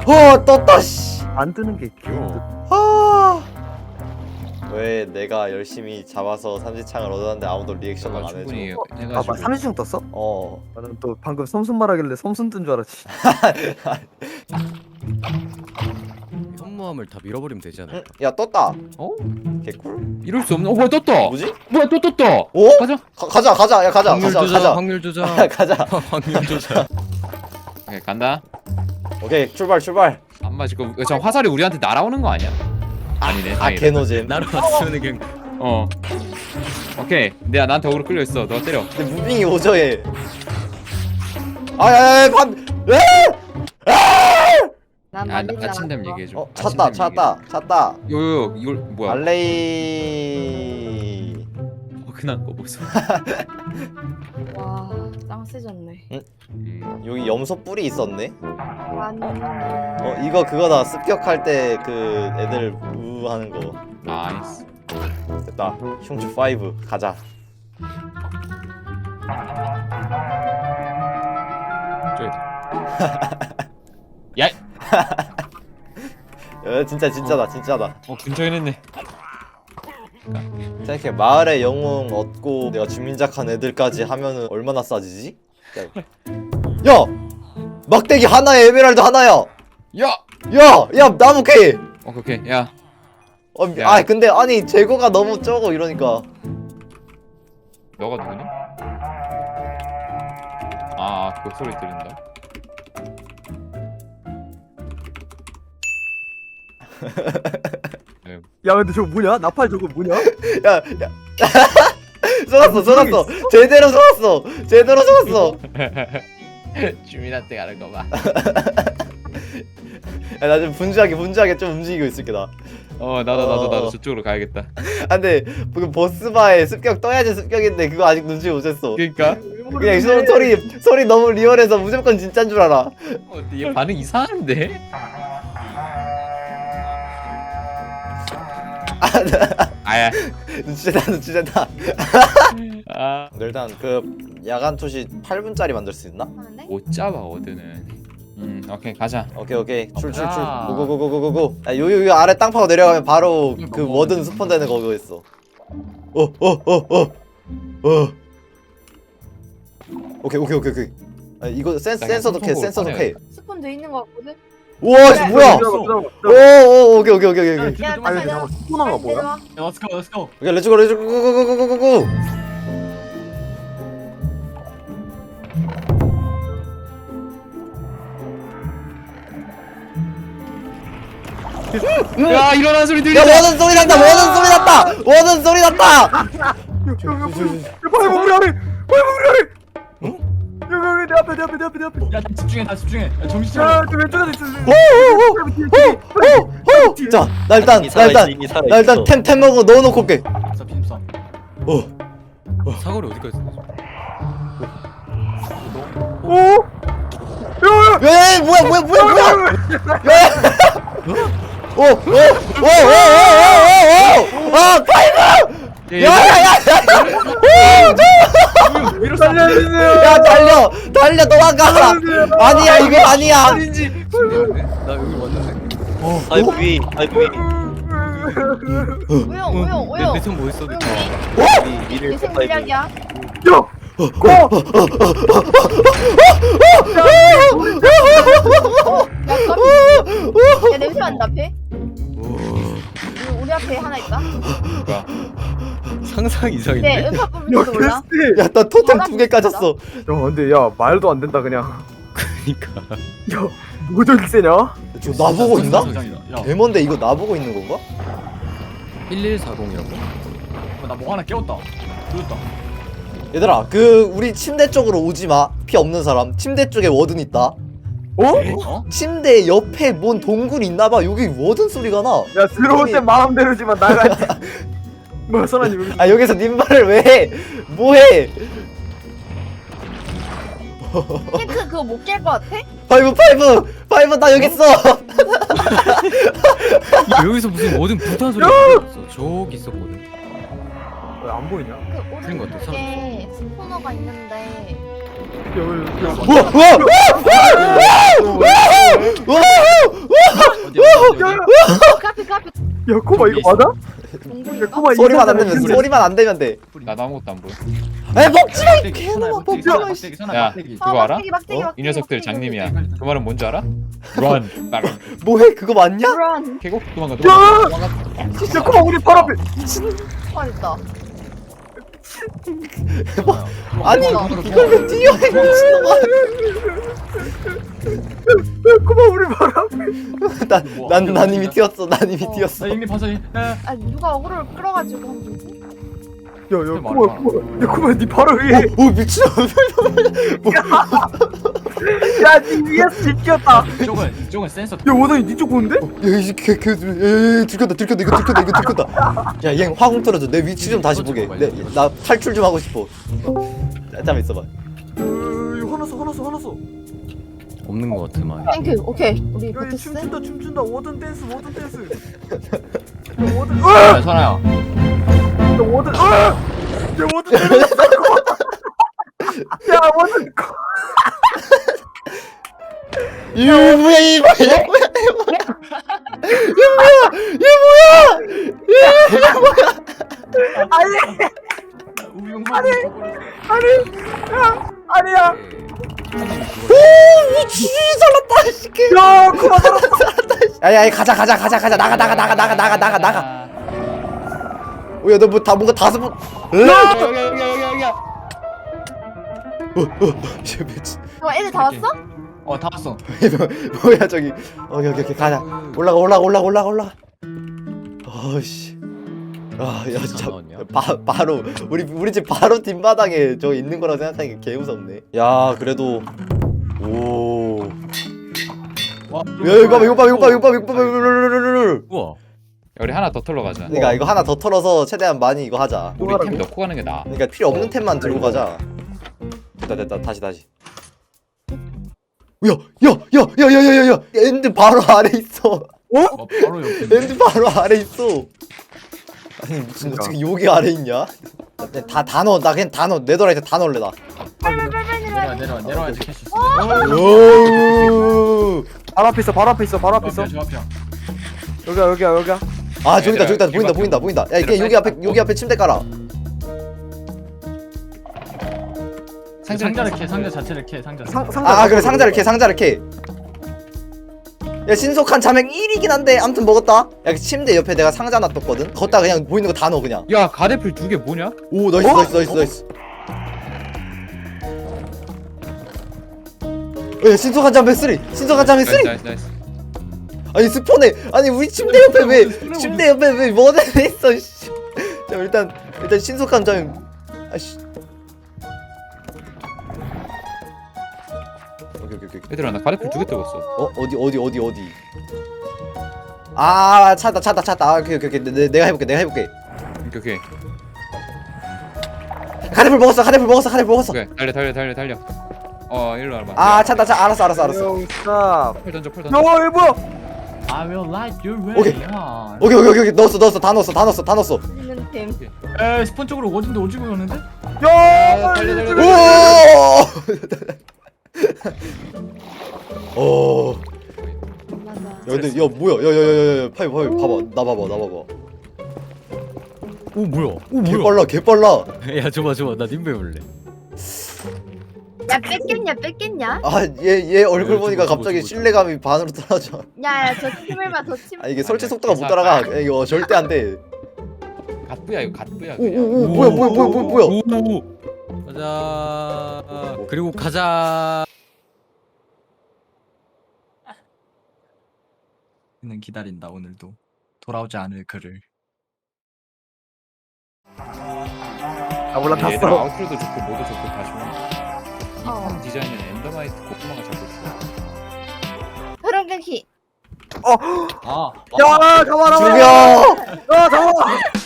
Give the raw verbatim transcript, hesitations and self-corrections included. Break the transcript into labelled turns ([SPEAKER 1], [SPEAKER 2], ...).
[SPEAKER 1] 어 떴다 씨.
[SPEAKER 2] 안 뜨는 게 귀여워.
[SPEAKER 1] 아. 왜 내가 열심히 잡아서 삼지창을 얻었는데 아무도 리액션을 안 해줘?
[SPEAKER 3] 충분히
[SPEAKER 2] 아,
[SPEAKER 3] 해가지고.
[SPEAKER 2] 삼지중 떴어?
[SPEAKER 1] 어.
[SPEAKER 2] 나는 또 방금 섬순 말하길래 섬순 뜬 줄 알았지.
[SPEAKER 3] 현무암을 다 밀어버리면 되지 않을까?
[SPEAKER 1] 응? 야 떴다.
[SPEAKER 3] 어?
[SPEAKER 1] 개꿀.
[SPEAKER 3] 이럴 수 없나? 어 뭐야 떴다.
[SPEAKER 1] 뭐지?
[SPEAKER 3] 뭐야 또 떴다.
[SPEAKER 1] 오?
[SPEAKER 3] 가자.
[SPEAKER 1] 가, 가자 가자 야 가자
[SPEAKER 3] 확률
[SPEAKER 1] 가자
[SPEAKER 3] 조작.
[SPEAKER 1] 가자
[SPEAKER 3] 확률 조작.
[SPEAKER 1] 가자.
[SPEAKER 3] 확률 조작. 오케이 간다.
[SPEAKER 1] 오케이 출발 출발.
[SPEAKER 3] 안 맞을 거. 저 화살이 우리한테 날아오는 거 아니야? 아니네.
[SPEAKER 1] 아
[SPEAKER 3] 다행이다.
[SPEAKER 1] 개노잼.
[SPEAKER 3] 날아왔으면 그냥. 어. 오케이. 내가 나한테 어그로 끌려 있어. 너 때려.
[SPEAKER 1] 근데 무빙이 오저해. 아야야 반. 에?
[SPEAKER 4] 난
[SPEAKER 3] 아,
[SPEAKER 4] 만지지
[SPEAKER 3] 나 아침잠
[SPEAKER 4] 않았어.
[SPEAKER 3] 얘기해줘.
[SPEAKER 1] 어 찾다 찾다 찾다.
[SPEAKER 3] 요요 이걸 뭐야?
[SPEAKER 1] 알레이.
[SPEAKER 3] 흔한 거 보소.
[SPEAKER 4] 와, 짱 세졌네.
[SPEAKER 3] 음.
[SPEAKER 1] 여기 염소 뿔이 있었네.
[SPEAKER 4] 아니.
[SPEAKER 1] 어 이거 그거다 습격할 때 그 애들 우 하는 거.
[SPEAKER 3] 나이스.
[SPEAKER 1] 됐다. 흉추 오 가자.
[SPEAKER 3] 저기다. 야.
[SPEAKER 1] 야, 진짜 진짜다 진짜다.
[SPEAKER 3] 어 근처에 했네.
[SPEAKER 1] 생각해 마을의 영웅 얻고 내가 주민작한 애들까지 하면은 얼마나 싸지지? 야, 야! 막대기 하나에 에메랄드 하나야!
[SPEAKER 3] 야.
[SPEAKER 1] 야! 야 나무 캐!
[SPEAKER 3] 어 오케이. 야.
[SPEAKER 1] 어,
[SPEAKER 3] 야.
[SPEAKER 1] 아 근데 아니 재고가 너무 적어 이러니까.
[SPEAKER 3] 너가 누구니? 아, 그 소리 들린다. 네.
[SPEAKER 2] 야 근데 저거 뭐냐? 나팔 저거 뭐냐?
[SPEAKER 1] 야! 야! 속았어 속았어! 제대로 속았어! 제대로 속았어!
[SPEAKER 3] 주민한테 가는 거 봐.
[SPEAKER 1] 야 나 좀 분주하게 분주하게 좀 움직이고 있을게 나.
[SPEAKER 3] 어, 나도 나도 나도
[SPEAKER 1] 어.
[SPEAKER 3] 저쪽으로 가야겠다.
[SPEAKER 1] 아 근데 그 보스바에 습격 떠야지 습격인데 그거 아직 눈치 못 챘어.
[SPEAKER 3] 그러니까.
[SPEAKER 1] 그냥 소, 소리 소리 너무 리얼해서 무조건 진짜인 줄 알아.
[SPEAKER 3] 어, 얘 반응 이상한데? 아야.
[SPEAKER 1] 눈치챘다 눈치챘다.
[SPEAKER 3] 아.
[SPEAKER 1] 일단 그 야간 투시 팔 분짜리 만들 수 있나?
[SPEAKER 4] 하는데?
[SPEAKER 3] 못 잡아 어드는. 음, 오케이 가자.
[SPEAKER 1] 오케이 오케이 출출출
[SPEAKER 3] 아.
[SPEAKER 1] 고고고고고고. 아 요요 요 아래 땅 파고 내려가면 바로 그
[SPEAKER 3] 뭐,
[SPEAKER 1] 워든 스폰되는 거기 있어. 어어어어 어. 어. 오케이 오케이 오케이 오케이. 아 이거 센
[SPEAKER 3] 나
[SPEAKER 1] 센서도 캐
[SPEAKER 3] 그냥
[SPEAKER 1] 센서도
[SPEAKER 3] 손톱으로
[SPEAKER 1] 캐.
[SPEAKER 4] 스폰 돼 있는 거 같거든?
[SPEAKER 1] 우와 씨 뭐야? 오오 오케이 오케이 오케이 오케이.
[SPEAKER 4] 야,
[SPEAKER 2] 아니
[SPEAKER 4] 빨리
[SPEAKER 2] 근데
[SPEAKER 4] 내려와.
[SPEAKER 2] 잠깐 스포너가
[SPEAKER 4] 빨리
[SPEAKER 2] 뭐야?
[SPEAKER 4] 내려와.
[SPEAKER 3] Let's go, let's go.
[SPEAKER 1] 오케이 렛츠고 렛츠고 고고고고고고.
[SPEAKER 3] 야, 일어나는 소리
[SPEAKER 1] 야
[SPEAKER 3] 들린다.
[SPEAKER 1] 워든 소리 났다 워든 소리 났다 워든 소리 났다.
[SPEAKER 2] 빨리 우리 아래! 빨리 우리 아래! 어? 여기 여기 내 앞에 내 앞에 내 앞에 내 앞에.
[SPEAKER 5] 야 집중해 다 집중해 야, 정신 차려
[SPEAKER 2] 야, 저 왼쪽에 있어.
[SPEAKER 1] 호호호호호호. 자, 나 일단 나 일단 나 일단 템 템 먹고 넣어놓고 올게.
[SPEAKER 5] 자 빔싸
[SPEAKER 1] 어.
[SPEAKER 3] 사거리 어디까지 있어?
[SPEAKER 2] 오! 야!
[SPEAKER 1] 에 뭐야 뭐야 뭐야 뭐야? 오! 오! 오! 오! 오! 오! 오! 아 파이브! 야야야!
[SPEAKER 3] 위로
[SPEAKER 2] 살려주세요.
[SPEAKER 1] 야 달려 달려 도망가! 아니야 이거 아니야.
[SPEAKER 3] 아닌지. 나 여기 왔는데.
[SPEAKER 6] 아이고 위 아이고 위
[SPEAKER 4] 오영, 오영, 오영.
[SPEAKER 3] 내손 뭐 있어?
[SPEAKER 4] 오영,
[SPEAKER 6] 위 위를
[SPEAKER 4] 내생
[SPEAKER 6] 아이고
[SPEAKER 4] 물약이야.
[SPEAKER 2] 야!
[SPEAKER 4] 어, 야, 깜 야, 냄새 난다, 앞에. 우리, 우리 앞에 하나 있다.
[SPEAKER 3] 상상 이상인데.
[SPEAKER 4] 네, 음파 뽑을지도 몰라.
[SPEAKER 2] 캐스트!
[SPEAKER 1] 야 나 토템 두 개 까졌어.
[SPEAKER 2] 야 근데 야 말도 안 된다 그냥.
[SPEAKER 3] 그러니까.
[SPEAKER 2] 야 뭐가 저렇게 세냐?
[SPEAKER 1] 저 나보고 있나?
[SPEAKER 5] 야
[SPEAKER 1] 데몬데 이거 나보고 있는 건가?
[SPEAKER 3] 일일사공이라고?
[SPEAKER 5] 나 뭐 하나 깨웠다 들었다
[SPEAKER 1] 얘들아 그 우리 침대 쪽으로 오지 마. 피 없는 사람. 침대 쪽에 워든 있다.
[SPEAKER 2] 어?
[SPEAKER 5] 어?
[SPEAKER 1] 침대 옆에 뭔 동굴이 있나봐. 여기 워든 소리가 나.
[SPEAKER 2] 야 들어올 때 마음대로지만 나가지. 뭐야 선아님 여기.
[SPEAKER 1] 아 여기서 님 말을 왜 해? 뭐해?
[SPEAKER 4] 힌트 그거 못 깰 것 같아?
[SPEAKER 1] 파이브 파이브 파이브 나 여기 있어.
[SPEAKER 3] 여기서 무슨 뭐든 불탄 소리가 들렸어. 저기 있었거든.
[SPEAKER 2] 왜 안 보이냐? 야,
[SPEAKER 4] 그
[SPEAKER 3] 그런 것 같아,
[SPEAKER 4] 오른쪽에 스포너가 있는데.
[SPEAKER 2] 여기, 여기.
[SPEAKER 1] 우와 우와 우와 우와 우와
[SPEAKER 4] 카피 카피
[SPEAKER 2] 야 코마 이거 맞아? 야
[SPEAKER 4] 동굴인가?
[SPEAKER 2] 코마
[SPEAKER 1] 소리만 안
[SPEAKER 2] 이거
[SPEAKER 1] 되면 소리만 안 되면 돼.
[SPEAKER 3] 나 아무것도 안 보여.
[SPEAKER 1] 에 먹지 마. 이
[SPEAKER 5] 막대기,
[SPEAKER 1] 개놈아
[SPEAKER 5] 막대기,
[SPEAKER 1] 먹지 마.
[SPEAKER 5] 막대기, 선아,
[SPEAKER 3] 야.
[SPEAKER 5] 막대기.
[SPEAKER 3] 그거 알아?
[SPEAKER 4] 막대기, 막대기,
[SPEAKER 1] 어?
[SPEAKER 4] 막대기,
[SPEAKER 3] 이 녀석들
[SPEAKER 4] 막대기.
[SPEAKER 3] 장님이야. 그 말은 뭔지 알아? Run. 나
[SPEAKER 1] 뭐해? 그거 맞냐?
[SPEAKER 4] Run.
[SPEAKER 3] 계곡 도망가.
[SPEAKER 2] 야!
[SPEAKER 3] 도망가.
[SPEAKER 2] 야 코마 우리 바로 앞에
[SPEAKER 4] 잘했다.
[SPEAKER 1] 아니
[SPEAKER 4] 어.
[SPEAKER 1] 이걸 왜 뛰어? 이 미친놈아.
[SPEAKER 2] 야 코마 우리 바로 앞에
[SPEAKER 1] 난난 난 이미 뛰었어. 난 이미
[SPEAKER 4] 어.
[SPEAKER 1] 뛰었어.
[SPEAKER 5] 나 형님 봐서 야,
[SPEAKER 4] 아 누가 어그로를 끌어가지고 한 거지?
[SPEAKER 2] 야야
[SPEAKER 5] 말해,
[SPEAKER 2] 코마
[SPEAKER 5] 말해.
[SPEAKER 2] 코마 야 코마 니 바로 위에
[SPEAKER 1] 오 미친놈.
[SPEAKER 2] 야니 위에서 지켰다
[SPEAKER 5] 이쪽은 이쪽은 센서.
[SPEAKER 2] 야 원원이 니쪽 보는데?
[SPEAKER 1] 야이개개 들켰다 들켰다 이거 들켰다 이거 들켰다. 야얘 화공 틀어줘. 내 위치 좀 다시 보게. 내, 나 탈출 좀 하고 싶어. 잠깐 있어봐.
[SPEAKER 2] 야 화났어 화났어 화났어
[SPEAKER 7] 없는 것 같으만.
[SPEAKER 4] 땡큐. 오케이. 우리
[SPEAKER 2] 야이
[SPEAKER 4] 버텼어.
[SPEAKER 2] 춤춘다 춤춘다 워든 댄스 워든 댄스 야 워든
[SPEAKER 5] 야, 선아야.
[SPEAKER 2] 야 워든 아! 야 워든 댄스 야 워든
[SPEAKER 1] 이 뭐야 이 뭐야 얘 뭐야 얘 뭐야 얘 뭐야 얘 뭐야
[SPEAKER 2] 아니
[SPEAKER 5] 우용
[SPEAKER 2] 아니 아니 야 아니야
[SPEAKER 1] 오 미친 살았다 이 새끼.
[SPEAKER 2] 야 코마 살았어
[SPEAKER 1] 야야 가자 가자 가자 가자 나가 나가 나가 나가 나가 나가 나가. 오야 너 뭐 다 뭔가 다섯 번.
[SPEAKER 3] 여기 여기 여기 여기 여기.
[SPEAKER 1] 씨 미친.
[SPEAKER 4] 어 애들 다 왔어?
[SPEAKER 5] 어, 다 왔어.
[SPEAKER 1] 뭐야 저기. 오케이 오케이 오케이 가자. 올라가 올라가 올라가 올라가 올라가. 어씨. 아야 진짜
[SPEAKER 7] 나왔냐?
[SPEAKER 1] 바, 바로 우리 우리 집 바로 뒷마당에 저 있는 거라고 생각하니까 개 무섭네. 야 그래도 오.
[SPEAKER 5] 와,
[SPEAKER 1] 야 이거 봐 이거 봐 이거 봐 이거 봐 이거 봐 이거 봐.
[SPEAKER 7] 우와.
[SPEAKER 3] 우리 하나 더 털러 가자.
[SPEAKER 1] 그러니까 이거 하나 더 털어서 최대한 많이 이거 하자.
[SPEAKER 3] 우리 템 넣고 가는 게 나아.
[SPEAKER 1] 그러니까 필요 없는 템만 들고 가자. 됐다 됐다 다시 다시. 야야야야야야야야 엔드 바로 아래 있어.
[SPEAKER 5] 어, 바로 옆에.
[SPEAKER 1] 엔드 바로 아래 있어. 아니 무슨 너 지금 여기 아래 있냐? 다다 넣어 나 그냥 다 넣어 네더라이트 다 넣을래 나.
[SPEAKER 4] 빨빨빨빨
[SPEAKER 5] 내려와,
[SPEAKER 4] 내려와.
[SPEAKER 5] 내려와, 내려와야지 캐시 있어.
[SPEAKER 1] 오.
[SPEAKER 2] 바로 앞에 있어 바로 앞에 있어 바로 앞에
[SPEAKER 5] 저
[SPEAKER 2] 있어
[SPEAKER 5] 앞이야, 저 앞이야.
[SPEAKER 2] 여기야 여기야 여기야
[SPEAKER 1] 아 저기다 저기다
[SPEAKER 3] 얘들아,
[SPEAKER 1] 보인다 보인다 보인다. 야 이게
[SPEAKER 3] 얘들아,
[SPEAKER 1] 여기 앞에
[SPEAKER 3] 사이즈
[SPEAKER 1] 여기 앞에 침대 깔아.
[SPEAKER 5] 상자를 캐, 상자 자체를 캐, 상자.
[SPEAKER 2] 상, 상자
[SPEAKER 1] 아 그래 상자를 캐 상자를 캐. 야 신속한 자맹 일이긴 한데 아무튼 먹었다. 야 침대 옆에 내가 상자 놔뒀거든. 거기다 그냥 보이는 거 다 넣어 그냥.
[SPEAKER 3] 야 가대필 두 개 뭐냐?
[SPEAKER 1] 오 나이스
[SPEAKER 2] 어?
[SPEAKER 1] 나이스 나이스 나이스. 야 신속한 자맹 쓰리 신속한 자맹 쓰리.
[SPEAKER 3] 나이스 나이스.
[SPEAKER 1] 아니 스폰에 아니 우리 침대 옆에 왜 침대 옆에 왜 뭐든 있어. 씨. 자 일단 일단 신속한 자맹. 아씨. 오케이 오케이 오케이.
[SPEAKER 3] 얘들아 나 가대필 두 개 떨궜어.
[SPEAKER 1] 어 어디 어디 어디 어디. 아 찾다 찾다 찾다. 아, 오케이 오케이 오케이. 내, 내가 해볼게 내가 해볼게.
[SPEAKER 3] 오케이 오케이.
[SPEAKER 1] 카레풀 먹었어 카레풀 먹었어 카레풀 먹었어.
[SPEAKER 3] 오케이 달려 달려 달려 달려. 어 일로 와봐.
[SPEAKER 1] 아 찾다 찾 알았어 알았어 알았어.
[SPEAKER 2] 스탑
[SPEAKER 3] 펄 던져 펄 던져.
[SPEAKER 2] 야 이거 뭐야
[SPEAKER 5] I will light your way.
[SPEAKER 1] 오케이.
[SPEAKER 5] 야.
[SPEAKER 1] 오케이 오케이 오케이 넣었어 넣었어 다 넣었어 다 넣었어 다 넣었어.
[SPEAKER 4] 있는 템.
[SPEAKER 5] 에, 스폰 쪽으로 오진데 오지고 오는데?
[SPEAKER 2] 야
[SPEAKER 3] 달려, 달려,
[SPEAKER 1] 오. 오.
[SPEAKER 4] 맞아.
[SPEAKER 1] 야 근데 야 뭐야 야야야야 파이 파이 봐봐 나 봐봐 나 봐봐.
[SPEAKER 7] 오 뭐야? 오
[SPEAKER 1] 개
[SPEAKER 7] 뭐야?
[SPEAKER 1] 빨라 개 빨라.
[SPEAKER 7] 야 줘봐 줘봐 나 님배 볼래.
[SPEAKER 4] 야 뺏겠냐 뺏겠냐?
[SPEAKER 1] 아얘 얘 얼굴
[SPEAKER 7] 야,
[SPEAKER 1] 보니까
[SPEAKER 7] 저거,
[SPEAKER 1] 갑자기
[SPEAKER 7] 저거, 저거.
[SPEAKER 1] 신뢰감이 반으로 떨어져.
[SPEAKER 4] 야야 저 팀을만 더 침.
[SPEAKER 1] 아 이게 설치 속도가 못 따라가. 야, 이거 절대 안 돼.
[SPEAKER 3] 갓부야 이거 갓부야. 그냥.
[SPEAKER 1] 오오오 뭐야 뭐야 뭐야 뭐야 뭐야.
[SPEAKER 7] 오. 가자. 그리고 가자.
[SPEAKER 5] 는 기다린다 오늘도 돌아오지 않을 그를.
[SPEAKER 2] 아 몰라
[SPEAKER 3] 얘들아
[SPEAKER 2] 탔어
[SPEAKER 3] 아웃로도 좋고 모도 좋고 다 좋아.
[SPEAKER 4] 어.
[SPEAKER 3] 이판 디자인은 엔더마이트 고구마가 잡고 있어.
[SPEAKER 4] 흐름 끊기.
[SPEAKER 5] 아,
[SPEAKER 2] 야 잡아라
[SPEAKER 1] 죽여.
[SPEAKER 2] 야 잡아